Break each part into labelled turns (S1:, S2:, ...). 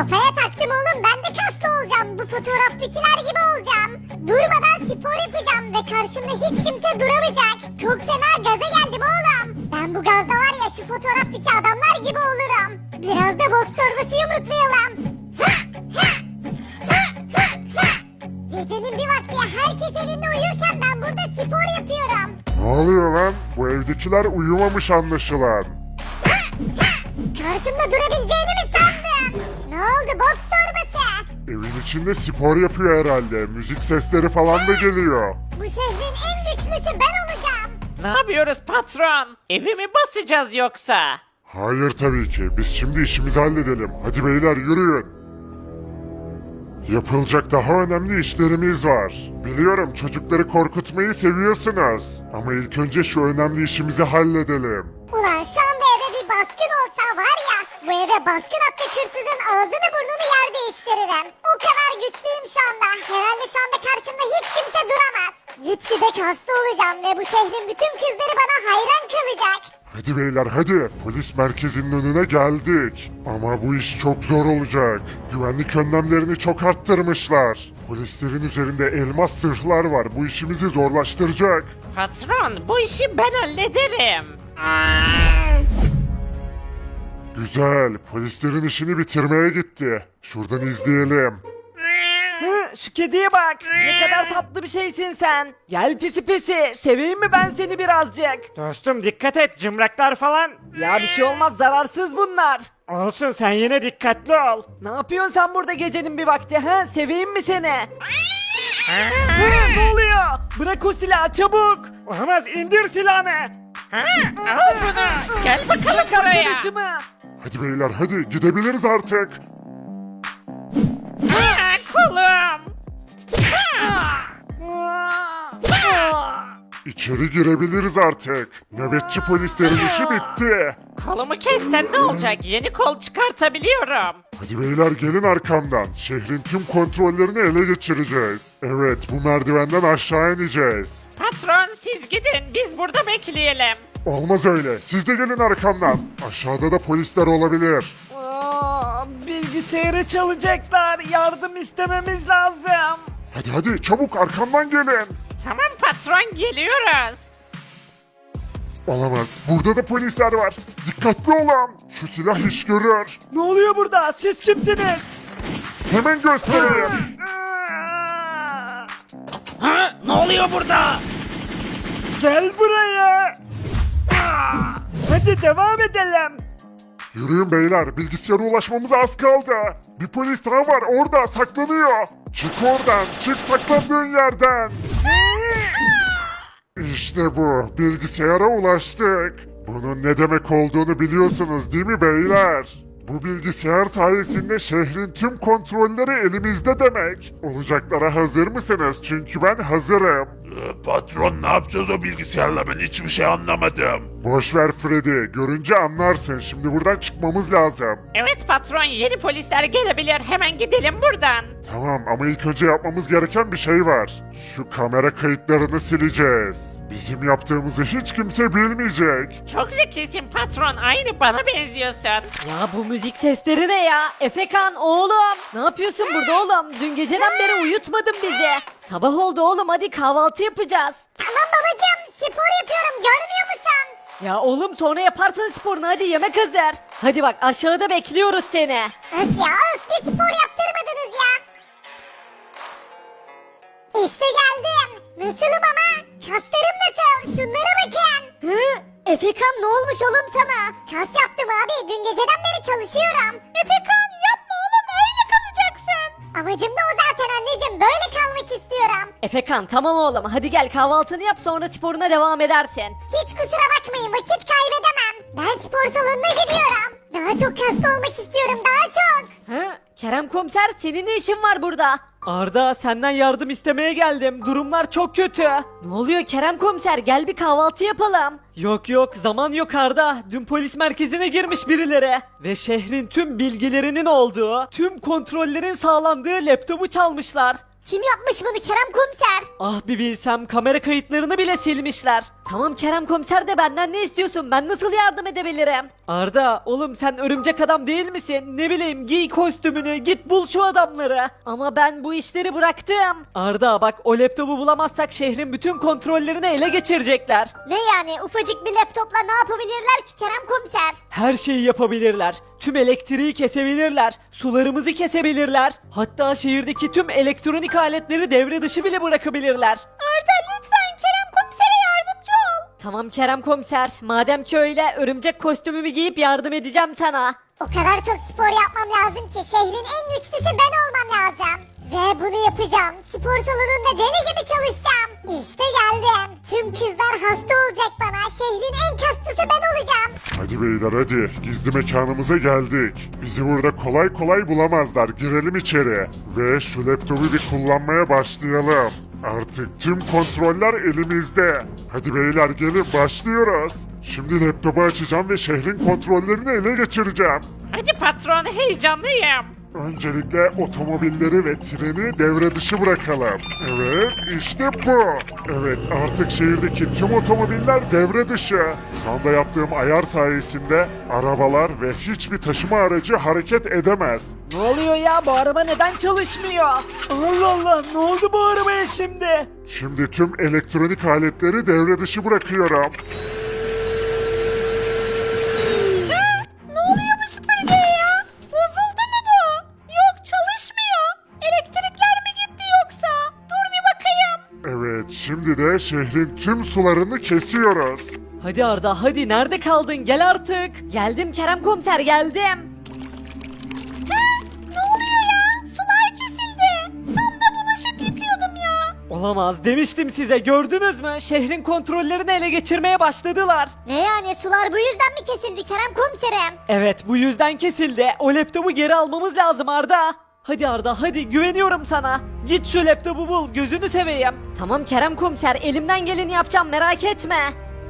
S1: Kafaya taktım oğlum, ben de kaslı olacağım. Bu fotoğraftakiler gibi olacağım. Durmadan spor yapacağım ve karşımda hiç kimse duramayacak. Çok fena gaza geldim oğlum. Ben bu gazda var ya şu fotoğraftaki adamlar gibi olurum. Biraz da boks torbası yumruklayalım. Ha, ha, ha, ha, ha. Gecenin bir vakti herkes evinde uyurken ben burada spor yapıyorum.
S2: Ne oluyor lan? Bu evdekiler uyumamış anlaşılan.
S1: Ha, ha. Karşımda durabileceğini mi sandın? Ne oldu boks torbası?
S2: Evin içinde spor yapıyor herhalde. Müzik sesleri falan da geliyor.
S1: Bu şehrin en güçlüsü ben olacağım.
S3: Ne yapıyoruz patron? Evi mi basacağız yoksa?
S2: Hayır tabii ki. Biz şimdi işimizi halledelim. Hadi beyler yürüyün. Yapılacak daha önemli işlerimiz var. Biliyorum çocukları korkutmayı seviyorsunuz. Ama ilk önce şu önemli işimizi halledelim.
S1: Ulan şu anda eve bir baskın olsa var ya, bu eve baskın atacak hırsızın ağzını burnunu yer değiştiririm. O kadar güçlüyüm şu anda. Herhalde şu anda karşımda hiç kimse duramaz. Gitgide kaslı olacağım ve bu şehrin bütün kızları bana hayran kalacak.
S2: Hadi beyler hadi. Polis merkezinin önüne geldik. Ama bu iş çok zor olacak. Güvenlik önlemlerini çok arttırmışlar. Polislerin üzerinde elmas zırhlar var. Bu işimizi zorlaştıracak.
S3: Patron bu işi ben hallederim.
S2: Güzel. Polislerin işini bitirmeye gitti. Şuradan izleyelim.
S4: Şu kediye bak. Ne kadar tatlı bir şeysin sen. Gel pisi pisi. Seveyim mi ben seni birazcık?
S3: Dostum dikkat et cımraklar falan.
S4: Ya bir şey olmaz, zararsız bunlar.
S3: Olsun sen yine dikkatli ol.
S4: Ne yapıyorsun sen burada gecenin bir vakti ha? Seveyim mi seni? Ne oluyor? Bırak o silahı çabuk.
S3: Olamaz indir silahını. Al bunu. Gel bakalım buraya.
S4: Arkadaşımı.
S2: Hadi beyler hadi gidebiliriz artık.
S3: Kolum.
S2: İçeri girebiliriz artık. Nöbetçi polislerin işi bitti.
S3: Kolumu kessen ne olacak? Yeni kol çıkartabiliyorum.
S2: Hadi beyler gelin arkamdan. Şehrin tüm kontrollerini ele geçireceğiz. Evet bu merdivenden aşağı ineceğiz.
S3: Patron siz gidin biz burada bekleyelim.
S2: Olmaz öyle. Siz de gelin arkamdan. Aşağıda da polisler olabilir.
S4: Bilgisayarı çalacaklar. Yardım istememiz lazım.
S2: Hadi hadi çabuk arkamdan gelin.
S3: Tamam patron geliyoruz.
S2: Olamaz. Burada da polisler var. Dikkatli olun. Şu silah iş görür.
S4: Ne oluyor burada? Siz kimsiniz?
S2: Hemen göstereyim.
S3: Ne oluyor burada?
S4: Gel buraya. Hadi devam edelim.
S2: Yürüyün beyler. Bilgisayara ulaşmamıza az kaldı. Bir polis daha var orada saklanıyor. Çık oradan. Çık saklandığın yerden. İşte bu. Bilgisayara ulaştık. Bunun ne demek olduğunu biliyorsunuz değil mi beyler? Bu bilgisayar sayesinde şehrin tüm kontrolleri elimizde demek. Olacaklara hazır mısınız? Çünkü ben hazırım.
S5: Patron ne yapacağız o bilgisayarla ben hiçbir şey anlamadım.
S2: Boş ver Freddy. Görünce anlarsın. Şimdi buradan çıkmamız lazım.
S3: Evet patron yeni polisler gelebilir hemen gidelim buradan.
S2: Tamam ama ilk önce yapmamız gereken bir şey var. Şu kamera kayıtlarını sileceğiz. Bizim yaptığımızı hiç kimse bilmeyecek.
S3: Çok zekisin patron aynı bana benziyorsun.
S4: Ya bu müzik sesleri ne ya? Efekan oğlum. Ne yapıyorsun burada oğlum? Dün geceden beri uyutmadın bizi. Sabah oldu oğlum, hadi kahvaltı yapacağız.
S1: Tamam babacığım, spor yapıyorum, görmüyor musun?
S4: Ya oğlum sonra yaparsın sporunu, hadi yemek hazır. Hadi bak aşağıda bekliyoruz seni.
S1: Öf ya öf, bir spor yaptırmadınız ya. İşte geldim. Nasılım ama? Kaslarım nasıl? Şunlara bakın. Hı? Efekan ne olmuş oğlum sana? Kas yaptım abi. Dün geceden beri çalışıyorum. Efekan yapma oğlum, öyle kalacaksın. Amacım da o zaten anneciğim. Böyle kalmak istiyorum.
S4: Efekan tamam oğlum, hadi gel kahvaltını yap sonra sporuna devam edersin.
S1: Hiç kusura bakmayın, vakit kaybedemem. Ben spor salonuna gidiyorum. Daha çok kaslı olmak istiyorum, daha çok.
S4: Hı? Kerem komiser, senin ne işin var burada? Arda, senden yardım istemeye geldim. Durumlar çok kötü. Ne oluyor Kerem komiser? Gel bir kahvaltı yapalım. Yok yok, zaman yok Arda. Dün polis merkezine girmiş birileri. Ve şehrin tüm bilgilerinin olduğu, tüm kontrollerin sağlandığı laptopu çalmışlar.
S1: Kim yapmış bunu Kerem komiser?
S4: Ah bir bilsem, kamera kayıtlarını bile silmişler. Tamam Kerem komiser de benden ne istiyorsun? Ben nasıl yardım edebilirim? Arda oğlum sen örümcek adam değil misin? Ne bileyim, giy kostümünü, git bul şu adamları. Ama ben bu işleri bıraktım. Arda bak, o laptopu bulamazsak şehrin bütün kontrollerini ele geçirecekler.
S1: Ne yani ufacık bir laptopla ne yapabilirler ki Kerem komiser?
S4: Her şeyi yapabilirler. Tüm elektriği kesebilirler. Sularımızı kesebilirler. Hatta şehirdeki tüm elektronik aletleri devre dışı bile bırakabilirler.
S1: Arda lütfen Kerem komisere yardımcı ol.
S4: Tamam Kerem komiser. Madem ki öyle, örümcek kostümümü giyip yardım edeceğim sana.
S1: O kadar çok spor yapmam lazım ki şehrin en güçlüsü ben olmam lazım. Ve bunu yapacağım. Spor salonunda deli gibi çalışacağım. İşte geldim. Tüm kızlar hasta olacak bana. Şehrin en kaslısı ben olacağım.
S2: Hadi beyler hadi. Gizli mekanımıza geldik. Bizi burada kolay kolay bulamazlar. Girelim içeri. Ve şu laptopu bir kullanmaya başlayalım. Artık tüm kontroller elimizde. Hadi beyler gelin başlıyoruz. Şimdi laptopu açacağım ve şehrin kontrollerini ele geçireceğim.
S3: Hadi patron, heyecanlıyım.
S2: Öncelikle otomobilleri ve treni devre dışı bırakalım. Evet, işte bu. Evet, artık şehirdeki tüm otomobiller devre dışı. Şu anda yaptığım ayar sayesinde arabalar ve hiçbir taşıma aracı hareket edemez.
S4: Ne oluyor ya, bu araba neden çalışmıyor? Allah Allah, ne oldu bu arabaya şimdi?
S2: Şimdi tüm elektronik aletleri devre dışı bırakıyorum.
S1: Ne oluyor bu süpürgeye ya? Bozuldu mu bu? Yok çalışmıyor. Elektrikler mi gitti yoksa? Dur bir bakayım.
S2: Evet, şimdi de şehrin tüm sularını kesiyoruz.
S4: Hadi Arda hadi, nerede kaldın, gel artık. Geldim Kerem komiser, geldim.
S1: Ne oluyor ya? Sular kesildi. Tam da bulaşık yıkıyordum ya.
S4: Olamaz, demiştim size, gördünüz mü? Şehrin kontrollerini ele geçirmeye başladılar.
S1: Ne yani sular bu yüzden mi kesildi Kerem komiserim?
S4: Evet, bu yüzden kesildi. O laptopu geri almamız lazım Arda. Hadi Arda hadi, güveniyorum sana. Git şu laptopu bul, gözünü seveyim. Tamam Kerem komiser, elimden geleni yapacağım, merak etme.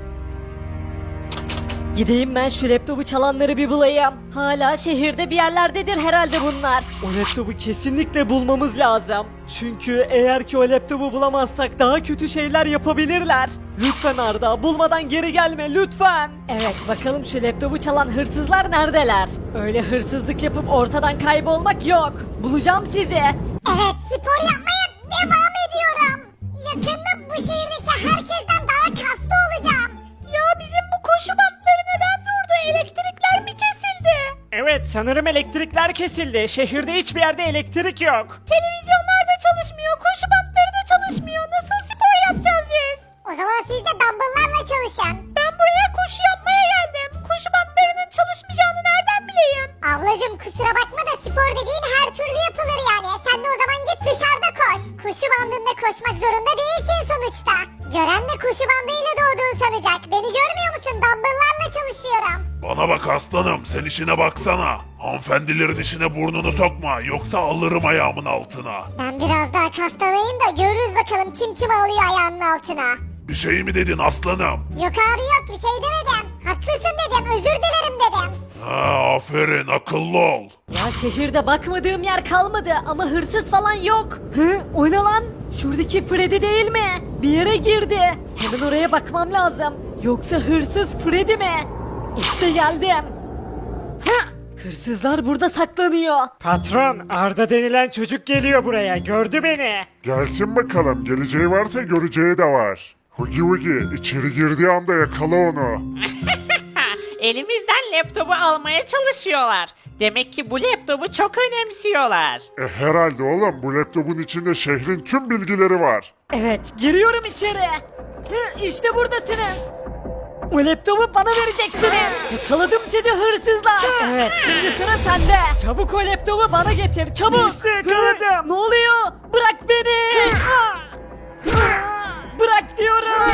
S4: Gideyim ben şu laptopu çalanları bir bulayım. Hala şehirde bir yerlerdedir herhalde bunlar. O laptopu kesinlikle bulmamız lazım. Çünkü eğer ki o laptopu bulamazsak daha kötü şeyler yapabilirler. Lütfen Arda, bulmadan geri gelme lütfen. Evet, bakalım şu laptopu çalan hırsızlar neredeler? Öyle hırsızlık yapıp ortadan kaybolmak yok. Bulacağım sizi.
S1: Evet spor yapmaya devam ediyorum. Yakında bu şehirdeki herkesten daha kaslı olacağım. Ya bizim bu koşu bantları neden durdu? Elektrikler mi kesildi?
S3: Evet, sanırım elektrikler kesildi. Şehirde hiçbir yerde elektrik yok.
S1: Televizyonlar da çalışmıyor, koşu bantları da çalışmıyor. Nasıl spor yapacağız biz? O zaman siz de dumbbell'larla çalışın. Ben buraya koşu yapmaya geldim. Koşu bantlarının çalışmayacağını nereden bileyim? Ablacım kusura bakma da spor dediğin her türlü yapılır yani. Sen de o zaman git dışarıda koş. Koşu bandında koşmak zorunda değilsin sonuçta. Gören de koşu bandıyla doğduğunu sanacak. Beni görmüyor musun? Dumbbell'larla çalışıyorum.
S5: Bana bak aslanım, sen işine baksana. Hanımefendilerin işine burnunu sokma, yoksa alırım ayağımın altına.
S1: Ben biraz daha kaslanayım da görürüz bakalım kim alıyor ayağının altına.
S5: Bir şey mi dedin aslanım?
S1: Yok abi yok bir şey demedim. Haklısın dedim özür dilerim dedim.
S5: Ha, aferin, akıllı ol.
S4: Ya şehirde bakmadığım yer kalmadı ama hırsız falan yok. Hı? O ne lan? Şuradaki Freddy değil mi? Bir yere girdi. Hemen oraya bakmam lazım. Yoksa hırsız Freddy mi? İşte geldim. Hı? Hırsızlar burada saklanıyor.
S3: Patron, Arda denilen çocuk geliyor buraya. Gördü beni.
S2: Gelsin bakalım, geleceği varsa göreceği de var. Hugi Hugi, içeri girdiği anda yakala onu.
S3: Elimizden laptopu almaya çalışıyorlar. Demek ki bu laptopu çok önemsiyorlar.
S2: Herhalde oğlum, bu laptopun içinde şehrin tüm bilgileri var.
S4: Evet, giriyorum içeri. Hı, işte buradasınız. O laptopu bana vereceksiniz. Yakaladım sizi hırsızlar. Evet, şimdi sıra sende. Çabuk o laptopu bana getir, çabuk.
S3: İşte yakaladım.
S4: Ne oluyor? Bırak beni. Bırak diyorum.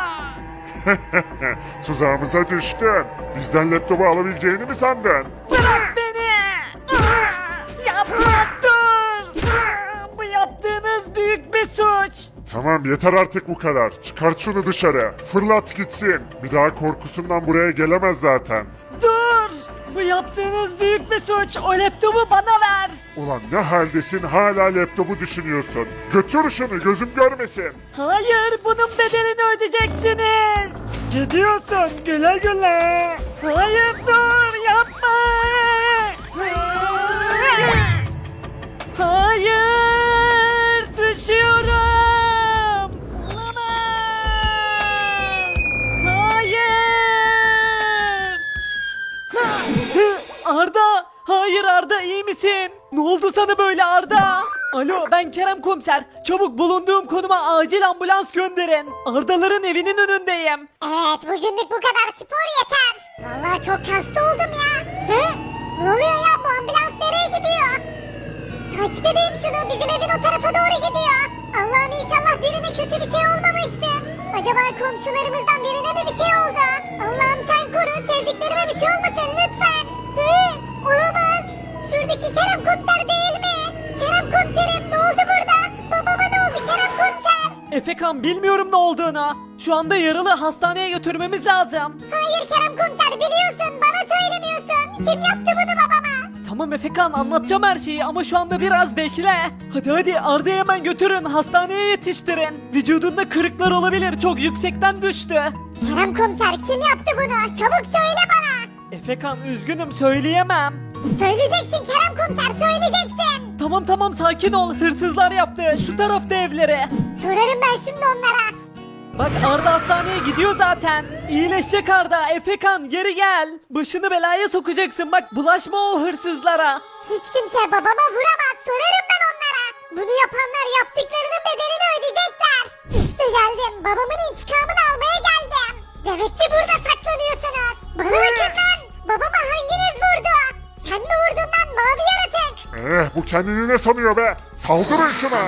S2: Tuzağımıza düştün. Bizden laptopu alabileceğini mi sandın?
S4: Bırak beni. Yapma, dur. Bu yaptığınız büyük bir suç.
S2: Tamam yeter artık bu kadar. Çıkart şunu dışarı. Fırlat gitsin. Bir daha korkusundan buraya gelemez zaten.
S4: Dur. Bu yaptığınız büyük bir suç. O laptopu bana ver.
S2: Ulan ne haldesin hala laptopu düşünüyorsun. Götür şunu gözüm görmesin.
S4: Hayır, bunun bedelini ödeyeceksiniz. Gidiyorsun, güle güle. Hayır, dur, yapma. Hayır, düşüyorum. Olamaz. Hayır. Arda, hayır Arda, iyi misin? Ne oldu sana böyle Arda? Alo, ben Kerem Komiser. Çabuk bulunduğum konuma acil ambulans gönderin. Ardaların evinin önündeyim.
S1: Evet bugünlük bu kadar spor yeter. Vallahi çok hasta oldum ya. Hı? Ne oluyor ya bu ambulans nereye gidiyor? Takip edeyim şunu bizim evin o tarafa doğru gidiyor. Allah'ım inşallah birine kötü bir şey olmamıştır. Acaba komşularımızdan birine mi bir şey oldu? Allah'ım sen koru sevdiklerime bir şey olmasın lütfen. Hı? Olamaz. Şuradaki Kerem Komiser değil mi? Kerem Komiserim ne oldu burada? Babama ne oldu Kerem Komiser?
S4: Efekan, bilmiyorum ne olduğunu. Şu anda yaralı, hastaneye götürmemiz lazım.
S1: Hayır Kerem Komiser biliyorsun bana söylemiyorsun. Kim yaptı bunu babama?
S4: Tamam Efekan, anlatacağım her şeyi ama şu anda biraz bekle. Hadi Arda'yı hemen götürün, hastaneye yetiştirin. Vücudunda kırıklar olabilir, çok yüksekten düştü.
S1: Kerem Komiser kim yaptı bunu? Çabuk söyle bana.
S4: Efekan, üzgünüm, söyleyemem.
S1: Söyleyeceksin Kerem Komiser söyleyeceksin.
S4: Tamam sakin ol, hırsızlar yaptı, şu tarafta evleri.
S1: Sorarım ben şimdi onlara.
S4: Bak Arda hastaneye gidiyor zaten. İyileşecek Arda. Efekan, geri gel. Başını belaya sokacaksın, bak bulaşma o hırsızlara.
S1: Hiç kimse babama vuramaz sorarım ben onlara. Bunu yapanlar yaptıklarının bedelini ödeyecekler. İşte geldim babamın intikamını almaya geldim. Demek ki burada saklanıyorsunuz. Bana bakın lan. Babama hanginiz vurdu? Sen mi vurdun lan mavi yaratık?
S2: Bu kendini ne sanıyor be? Saldırın şuna.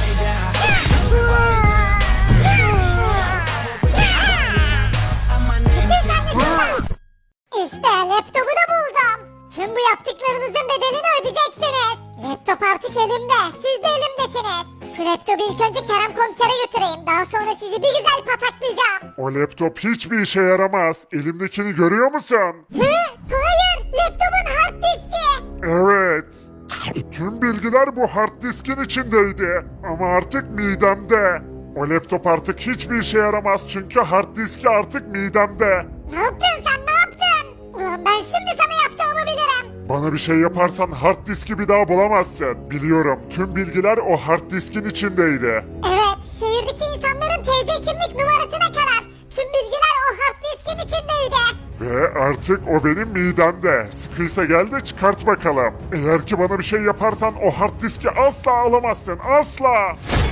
S1: İşte laptopu da buldum. Tüm bu yaptıklarınızın bedelini ödeyeceksiniz. Laptop artık elimde. Siz de elimdesiniz. Şu laptopu ilk önce Kerem Komiser'e götüreyim. Daha sonra sizi bir güzel pataklayacağım.
S2: O laptop hiçbir işe yaramaz. Elimdekini görüyor musun?
S1: Hı? Hayır. Laptopun hard diski.
S2: Evet. Tüm bilgiler bu hard diskin içindeydi. Ama artık midemde. O laptop artık hiçbir işe yaramaz çünkü hard diski artık midemde.
S1: Ne yaptın sen ne yaptın? Ulan ben şimdi sana yapacağımı bilirim.
S2: Bana bir şey yaparsan hard diski bir daha bulamazsın. Biliyorum tüm bilgiler o hard diskin içindeydi.
S1: Evet şehirdeki insanların TC kimlik numarasına kadar. Tüm bilgiler o hard diskin içindeydi.
S2: Ve artık o benim midemde. Sıkıysa gel de çıkart bakalım. Eğer ki bana bir şey yaparsan o hard diski asla alamazsın. Asla.